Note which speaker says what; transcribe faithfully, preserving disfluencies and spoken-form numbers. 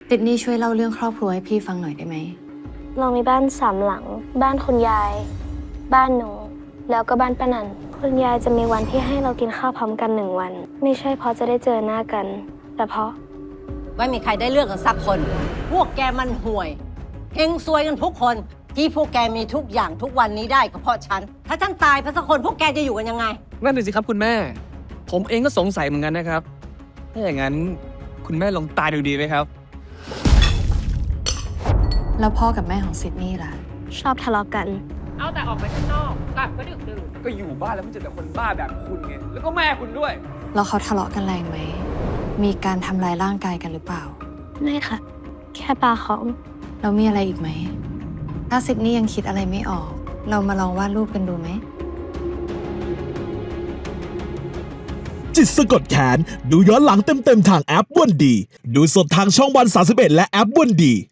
Speaker 1: ติดนี่ช่วยเล่าเรื่องครอบครัวให้พี่ฟังหน่อยได้ไหม
Speaker 2: เรามีบ้านสามหลัง บ้านคุณยาย บ้านหนู แล้วก็บ้านป้านันคุณยายจะมีวันที่ให้เรากินข้าวพร้อมกันหนึ่งวัน ไม่ใช่เพราะจะได้เจอหน้ากัน แต่เพราะ
Speaker 3: ไม่มีใครได้เลือกกันสักคน พวกแกมันห่วยเฮงซวยกันทุกคน ที่พวกแกมีทุกอย่างทุกวันนี้ได้ก็เพราะฉัน ถ้าฉันตายไปสักคนพวกแกจะอยู่กันยังไง
Speaker 4: นั่นเลยสิครับคุณแม่ ผมเองก็สงสัยเหมือนกันนะครับถ้าอย่างนั้นคุณแม่ลองตายดูดีไหมครับ
Speaker 1: แล้วพ่อกับแม่ของซิดนีย์ล่ะ
Speaker 2: ชอบทะเลาะกัน
Speaker 5: เอาแต่ออกไปข้างนอกกลับก็ดึกดื่น
Speaker 4: ก็อยู่บ้านแล้วมันเจอแต่คนบ้าแบบคุณไงแล้วก็แม่คุณด้วย
Speaker 1: แล้วเขาทะเลาะกันแรงไหมมีการทำร้ายร่างกายกันหรือเปล่า
Speaker 2: ไม่ค่ะ แค่ปาของ
Speaker 1: แล้วมีอะไรอีกไหมถ้าซิดนีย์ยังคิดอะไรไม่ออกเรามาลองวาดรูปกันดูไหม
Speaker 6: จิตสะกดแขนดูย้อนหลังเต็มๆทางแอปวันดีดูสดทางช่องวันสามสิบเอ็ดและแอปวันดี